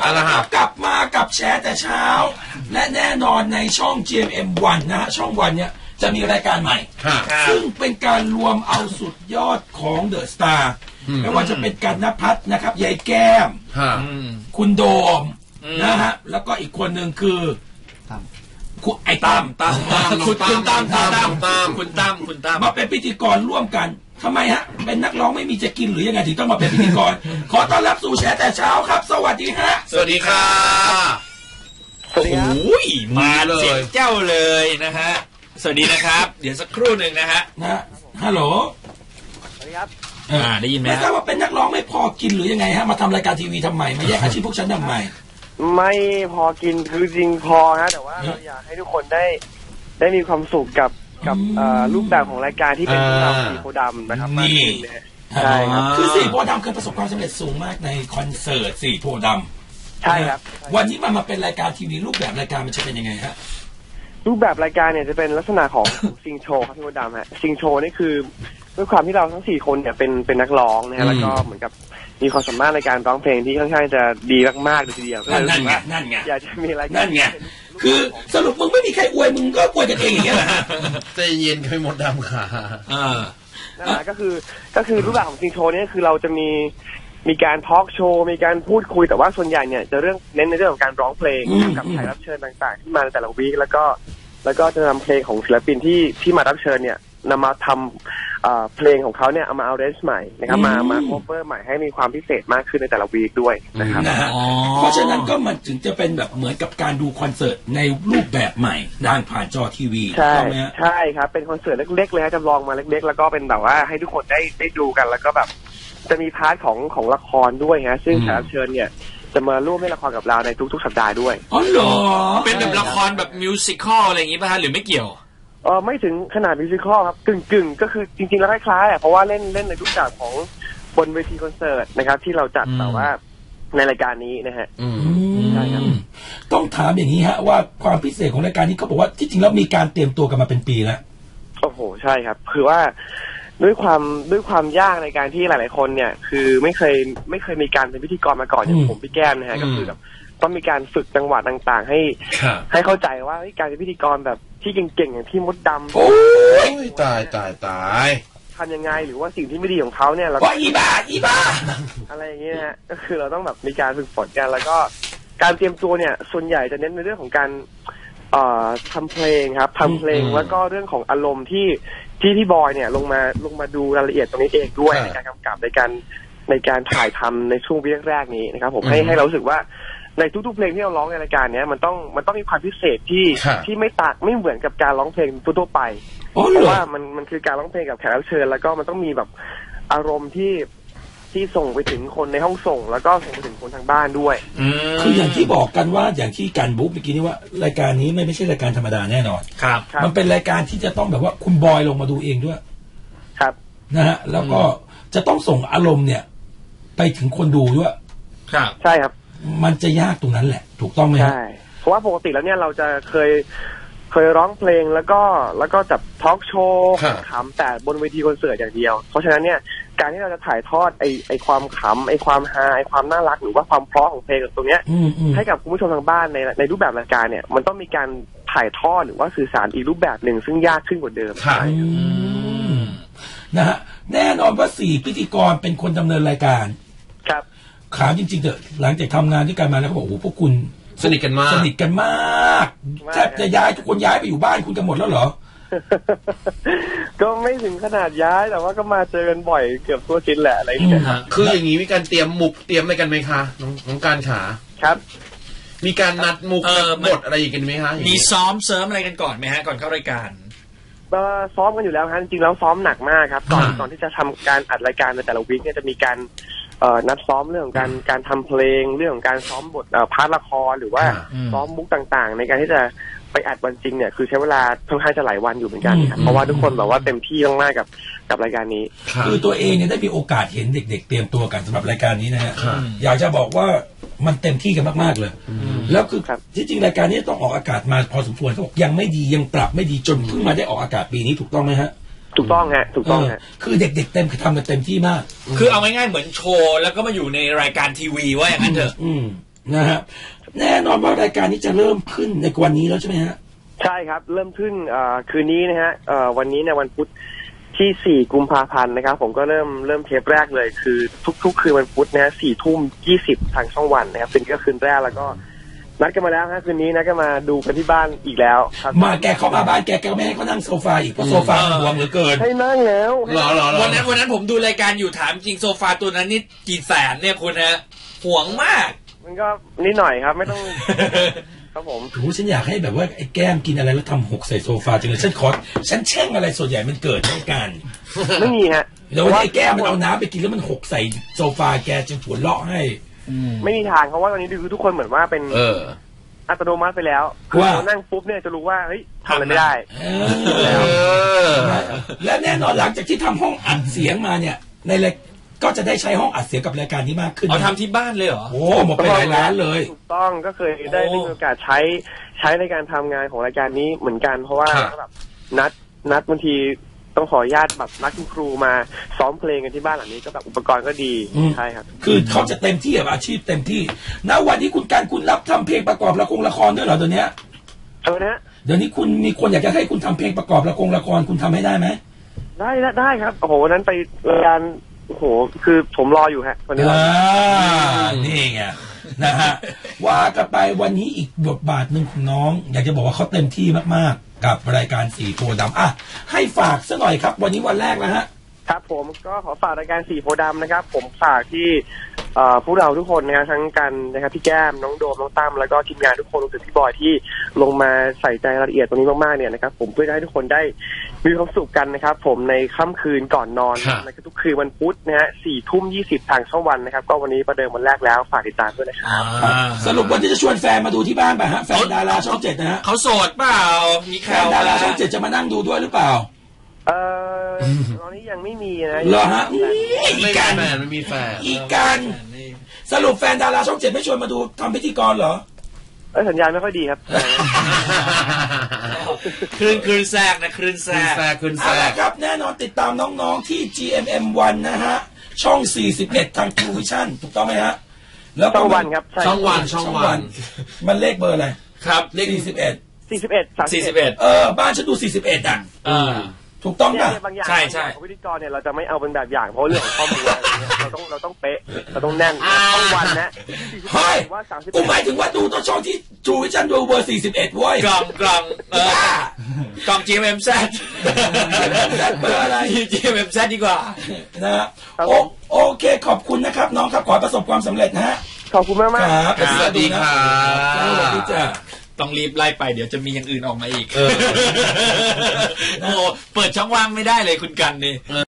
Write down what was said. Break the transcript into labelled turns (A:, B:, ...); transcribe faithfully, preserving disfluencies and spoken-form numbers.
A: เอาละครับกลับมากับแชร์แต่เช้าและแน่นอนในช่อง จี เอ็ม เอ็ม วัน นะฮะช่องวันเนี่ยจะมีรายการใหม่ซึ่งเป็นการรวมเอาสุดยอดของเดอะสตาร์ไม่ว่าจะเป็นกันณภัทรนะครับยายแก้มคุณโดมนะฮะแล้วก็อีกคนหนึ่งคือคุณไอ้ตั้มตั้มคุณตั้มตั้มตั้มตั้มคุณตั้มคุณตั้มมาเป็นพิธีกรร่วมกันทำไมฮะเป็นนักร้องไม่มีจะกินหรือยังไงถึงต้องมาเป็นพิธีกรขอต้อนรับสู่แชร์แต่เช้าครับสวัสดีฮะ
B: สวัสดีครับ
C: โอ้ยมาเลยเสียงเจ้าเลยนะฮะสวัสดีนะครับเดี๋ยวสักครู่หนึ่งนะฮะ
A: นะฮัลโหล
C: สวัสดีครับอ่าได้ยินไหม
A: ไม่ทราบว่าเป็นนักร้องไม่พอกินหรือยังไงฮะมาทำรายการทีวีทำไมมาแยกอาชีพพวกฉันทำไม
B: ไม่พอกินคือจริงพอฮะแต่ว่าเราอยากให้ทุกคนได้ได้มีความสุขกับกับรูปแบบของรายการที่เป็นเราสีโพดำนะครับ
A: นี่ใช่ครับคือสีโพดำเคยประสบความสำเร็จสูงมากในคอนเสิร์ตสีโพด
B: ำใช่ครับ
A: วันนี้มันมาเป็นรายการทีวีรูปแบบรายการมันจะเป็นยังไงฮะ
B: รูปแบบรายการเนี่ยจะเป็นลักษณะของซิงโชว์ครับพี่โพดำฮะซิงโชว์นี่คือด้วยความที่เราทั้งสี่คนเนี่ยเป็นเป็นนักร้องนะฮะแล้วก็เหมือนกับมีความสามารถในการร้องเพลงที่ค่อนข้างจะดีมากๆเลยทีเดียว
A: นั่นไงนั่นไง
B: อยากจะมีรายการ
A: นั่นไงคือสรุปมึงไม่มีใครอวยมึงก็อวยกันเองอย่างเงี้ยแหละ
D: ใจเย็นไม่หมดดำค่ะ
A: อ่า
B: นั่นแหละก็คือก็คือรูปแบบของซิงโชว์นี่คือเราจะมีมีการทอล์กโชว์มีการพูดคุยแต่ว่าส่วนใหญ่เนี่ยจะเรื่องเน้นในเรื่องของการร้องเพลงกับแขกรับเชิญต่างๆที่มาในแต่ละวีคแล้วก็แล้วก็จะนำเพลงของศิลปินที่ที่มารับเชิญเนี่ยนำมาทำเพลงของเขาเนี่ยเอามาเอาเรนจ์ใหม่นะครับมามาโคเวอร์ใหม่ให้มีความพิเศษมากขึ้นในแต่ละวีคด้วยนะครับ
A: เพราะฉะนั้นก็มันถึงจะเป็นแบบเหมือนกับการดูคอนเสิร์ตในรูปแบบใหม่ทางผ่านจอทีวี
B: ใช่ใช่ครับเป็นคอนเสิร์ตเล็กๆเลยฮะจำลองมาเล็กๆแล้วก็เป็นแบบว่าให้ทุกคนได้ได้ดูกันแล้วก็แบบจะมีพาร์ทของของละครด้วยฮะซึ่งแขกรับเชิญเนี่ยจะมาร่วมเล่นละครกับเราในทุกๆสัปดาห์ด้วย
A: อ๋อเหรอ
C: เป็นแบบละครแบบมิวสิคอลอะไรอย่างงี้ป่ะฮะหรือไม่เกี่ยว
B: เออไม่ถึงขนาดมิวสิคอลครับกึ่งกึ่งก็คือจริงๆแล้วคล้ายๆอ่ะเพราะว่าเล่นเล่นในทุกอย่างของบนเวทีคอนเสิร์ตนะครับที่เราจัดแต่ว่าในรายการนี้นะฮะ
A: ใช่ครับต้องถามอย่างนี้ฮะว่าความพิเศษของรายการนี้เขาบอกว่าที่จริงแล้วมีการเตรียมตัวกันมาเป็นปีแล้ว
B: โอ้โหใช่ครับคือว่าด้วยความด้วยความยากในการที่หลายๆคนเนี่ยคือไม่เคยไม่เคยมีการเป็นพิธีกรมาก่อนอย่างผมพี่แก้มนะฮะก็คือแบบต้องมีการฝึกจังหวะต่างๆให้ให้เข้าใจว่าการเป็นพิธีกรแบบที่เก่งๆอย่างที่มดดำ
D: โอ้ยตายตายตาย
B: ทำยังไงหรือว่าสิ่งที่ไม่ดีของเขาเนี่ยเรา
A: ก็อีบ้าอีบ้า
B: อะไรอย่างเงี้ยฮะก็คือเราต้องแบบมีการฝึกฝนกันแล้วก็การเตรียมตัวเนี่ยส่วนใหญ่จะเน้นในเรื่องของการเอ่อทำเพลงครับทำเพลงแล้วก็เรื่องของอารมณ์ที่ที่พี่บอยเนี่ยลงมาลงมาดูรายละเอียดตรงนี้เองด้วยในการกำกับในการในการถ่ายทำในช่วงวิแรกๆนี้นะครับผมให้ให้เรารู้สึกว่าในทุกๆเพลงที่เราร้องในรายการเนี้ยมันต้องมันต้องมีความพิเศษที่ที่ไม่ต่างไม่เหมือนกับการร้องเพลงทั่วๆไปเพราะว่ามันมันคือการร้องเพลงกับแขกรับเชิญแล้วก็มันต้องมีแบบอารมณ์ที่ที่ส่งไปถึงคนในห้องส่งแล้วก็ส่งไปถึงคนทางบ้านด้วย
A: คืออย่างที่บอกกันว่าอย่างที่การบุ๊กเมื่อกี้นี้ว่ารายการนี้ไม่ไม่ใช่รายการธรรมดาแน่นอน
C: ครับ
A: มันเป็นรายการที่จะต้องแบบว่าคุณบอยลงมาดูเองด้วย
B: ครับ
A: นะฮะแล้วก็จะต้องส่งอารมณ์เนี่ยไปถึงคนดูด้วย
C: ครับ
B: ใช่ครับ
A: มันจะยากตรงนั้นแหละถูกต้องไหม
B: ใช่เพราะว่าปกติแล้วเนี่ยเราจะเคยเคยร้องเพลงแล้วก็แล้วก็จับทอล์กโชว์ขำแต่บนเวทีคอนเสิร์ตอย่างเดียวเพราะฉะนั้นเนี่ยการที่เราจะถ่ายทอดไอไอความขำไอความฮาไอความน่ารักหรือว่าความเพราะของเพลงตรงเนี้ยให้กับคุณผู้ชมทางบ้านในในรูปแบบรายการเนี่ยมันต้องมีการถ่ายทอดหรือว่าสื่อสารอีกรูปแบบหนึ่งซึ่งยากขึ้นกว่าเดิมใช่
A: นะฮะแน่นอนว่าสี่พิธีกรเป็นคนดำเนินรายการ
B: ครับ
A: ขาวจริงๆเถอะหลังจากทำงานด้วยกันมาแล้วเขาบอกโอ้พวกคุณ
D: สนิทกันมาก
A: สนิทกันมากแทบจะย้ายทุกคนย้ายไปอยู่บ้านคุณกันหมดแล้วเหรอ
B: ก็ไม่ถึงขนาดย้ายแต่ว่าก็มาเจอกันบ่อยเกือบทั่วชิ้นแหละอะไรอย่างเงี้ย
D: คืออย่างนี้มีการเตรียมมุกเตรียมอะไรกันไหมคะน้องน้องการขา
B: ครับ
D: มีการนัดมุกบทอะไรกันไหมคะ
C: มีซ้อมเสริมอะไรกันก่อนไหมฮะก่อนเข้ารายการ
B: ก็ซ้อมกันอยู่แล้วฮะจริงๆแล้วซ้อมหนักมากครับก่อนก่อนที่จะทำการอัดรายการในแต่ละวีคเนี่ยจะมีการนัดซ้อมเรื่องของการการทำเพลงเรื่องของการซ้อมบทพาร์ทละครหรือว่าซ้อมมุกต่างๆในการที่จะไปอัดวันจริงเนี่ยคือใช้เวลาค่อนข้างจะหลายวันอยู่เหมือนกันครับเพราะว่าทุกคนแบบว่าเต็มที่มากๆกับกับรายการนี้
A: คือตัวเองเนี่ยได้มีโอกาสเห็นเด็กๆเตรียมตัวกันสำหรับรายการนี้นะฮะอยากจะบอกว่ามันเต็มที่กันมากๆเลยแล้วคือที่จริงรายการนี้ต้องออกอากาศมาพอสมควรเขาบอกยังไม่ดียังปรับไม่ดีจนเพิ่งมาได้ออกอากาศปีนี้ถูกต้องไหมฮะ
B: ถูกต้องฮะถูกต้องฮะ
A: คือเด็กๆเต็มทำกันเต็มที่มาก
C: คือเอาง่ายๆเหมือนโชว์แล้วก็มาอยู่ในรายการทีวีว่าอย่างนั้นเถอะ
A: นะฮะแน่นอนว่ารายการนี้จะเริ่มขึ้นในวันนี้แล้วใช่ไหมฮะ
B: ใช่ครับเริ่มขึ้นคืนนี้นะฮะวันนี้ในวันพุธที่สี่กุมภาพันธ์นะครับผมก็เริ่มเริ่มเทปแรกเลยคือทุกๆคืนวันพุธนะฮะสี่ทุ่มยี่สิบทางช่องวันนะครับเป็นก็คืนแรกแล้วก็นัดกันมาแล้วฮะคืนนี้นัดกันมาดูกันที่บ้านอีกแล้วครับ
A: มาแกเข้ามาบ้านแกแกไม่ให้เขานั่งโซฟาอีกเพราะโซฟาห่วงเหลือเกิน
B: ให้นั่งแล้ว
C: วันนั้นวันนั้นผมดูรายการอยู่ถามจริงโซฟาตัวนั้นนี่กี่แสนเนี่ยคุณฮะห่วงมาก
B: มันก็นิดหน่อยครับไม่ต้องครับผม
A: โอ้ฉันอยากให้แบบว่าไอ้แก้มกินอะไรแล้วทำหกใส่โซฟาจังเลยฉันขอฉันแช่งอะไรส่วนใหญ่มันเกิดในการ
B: ไม่มีฮะ
A: แล้วไอ้แก้มมันเอาน้ำไปกินแล้วมันหกใส่โซฟาแกจึงหัวเราะให้
B: ไม่มีทางเพราะว่าตอนนี้คือทุกคนเหมือนว่าเป็น
A: เออ
B: อัตโนมัติไปแล้วคือเรานั่งปุ๊บเนี่ยจะรู้ว่าเฮ้ยทำอะไรไม่ได้
A: และแน่นอนหลังจากที่ทำห้องอัดเสียงมาเนี่ยในรายก็จะได้ใช้ห้องอัดเสียงกับรายการนี้มากขึ้น
C: เอาทำที่บ้านเลยเหรอ
A: โอ้หมดไปหลายล้านเลย
B: ถูกต้องก็เคยได้มีโอกาสใช้ใช้ในการทำงานของรายการนี้เหมือนกันเพราะว่าแบบนัดนัดบางทีต้องขออนุญาตแบบนักครูมาซ้อมเพลงกันที่บ้านหลังนี้ก็แบบอุปกรณ์ก็ดีใช่ครับ
A: คือเขาจะเต็มที่กับอาชีพเต็มที่ณวันนี้คุณการคุณรับทำเพลงประกอบละครละครด้วยเหรอเดี๋ยวนี้
B: เออนะ
A: เดี๋ยวนี้คุณมีคนอยากจะให้คุณทำเพลงประกอบละครละครคุณทำให้ได้ไหม
B: ได้ได้ครับโอ้โหวันนั้นไปรายการโอ้โหคือผมรออยู่ฮะวันนี้
A: อ่านี่ไงนะฮะว่ากันไปวันนี้อีกบทบาทหนึ่งของน้องอยากจะบอกว่าเขาเต็มที่มากๆกับรายการสีโพธิ์ดำอ่ะให้ฝากซะหน่อยครับวันนี้วันแรกแล้วฮะ
B: ครับผมก็ขอฝากรายการสีโพธิ์ดำนะครับผมฝากที่พวกเราทุกคนนะครับทั้งกันนะครับพี่แก้มน้องโดมน้องตั้มแล้วก็ทีมงานทุกคนรวมถึงพี่บอยที่ลงมาใส่ใจรายละเอียดตรงนี้มากๆเนี่ยนะครับผมเพื่อให้ทุกคนได้มีความสุขกันนะครับผมในค่ำคืนก่อนนอนนะครับทุกคืนวันพุธนะฮะสี่ทุ่มยี่สิบทางช่องวันนะครับก็วันนี้ประเดิมวันแรกแล้วฝากติดตามด้วยนะครับ
A: สรุปวันที่จะชวนแฟนมาดูที่บ้านป่ะฮะแฟนดาราช่องเจ็ดนะฮะ
C: เขาโสดเปล่ามี
A: แฟนดาราช่องเจ็ดจะมานั่งดูด้วยหรือเปล่า
B: เออตอนนี้ยังไม่มีนะ
A: เหรอฮะ
D: อีการแฟนไม่มีแฟน
A: อีการสรุปแฟนดาราช่องเจ็ดไม่ชวนมาดูทำพิธีกรเหรอ
B: เออสัญญาณไม่ค่อยดีครับ
C: คลื่นคลื่นแทรกนะคลื่นแทรก
D: คลื่นแทรก
A: ครับแน่นอนติดตามน้องๆที่ จี เอ็ม เอ็ม วัน นะฮะช่องสี่สิบเอ็ดทาง True Vision ถูกต้องไหมฮะ
B: แล้วช่องวันครับ
D: ช่องวันช่องวัน
A: มันเลขเบอร์อะไร
C: ครับ
A: เลขสี่สิบเอ็ด
B: สี่สิบเอ็ด
C: สี่สิบเอ็ด
A: เออบ้านฉันดูสี่สิบเอ็ดอ่ะถูกต้องป่ะ
B: ใช่ใช่พิธีกรเนี่ยเราจะไม่เอาเป็นแบบอย่างเพราะเรื่องของข้อมูลเราต้องเราต้องเป๊ะเราต้องแน่นช่องวันนะ
A: เฮ้ยกูหมายถึงว่าดูตัวช่องที่จูวิชันดูเบอร์สี่สิบเอ็ดเว้ย
C: กล่องกล่องเออกล่อง จี เอ็ม เอ็ม แซด
A: เบอร์อะไร
C: จี เอ็ม เอ็ม แซด ดีกว่า
A: นะฮะโอเคขอบคุณนะครับน้องครับขอประสบความสำเร็จนะฮะ
B: ขอบคุณมากมาก
A: ครับ
C: สวัสดีครับ
A: สวัสดีจ้า
C: ต้องรีบไล่ไปเดี๋ยวจะมีอย่างอื่นออกมาอีกโอ้เปิดช่องว่างไม่ได้เลยคุณกันนี่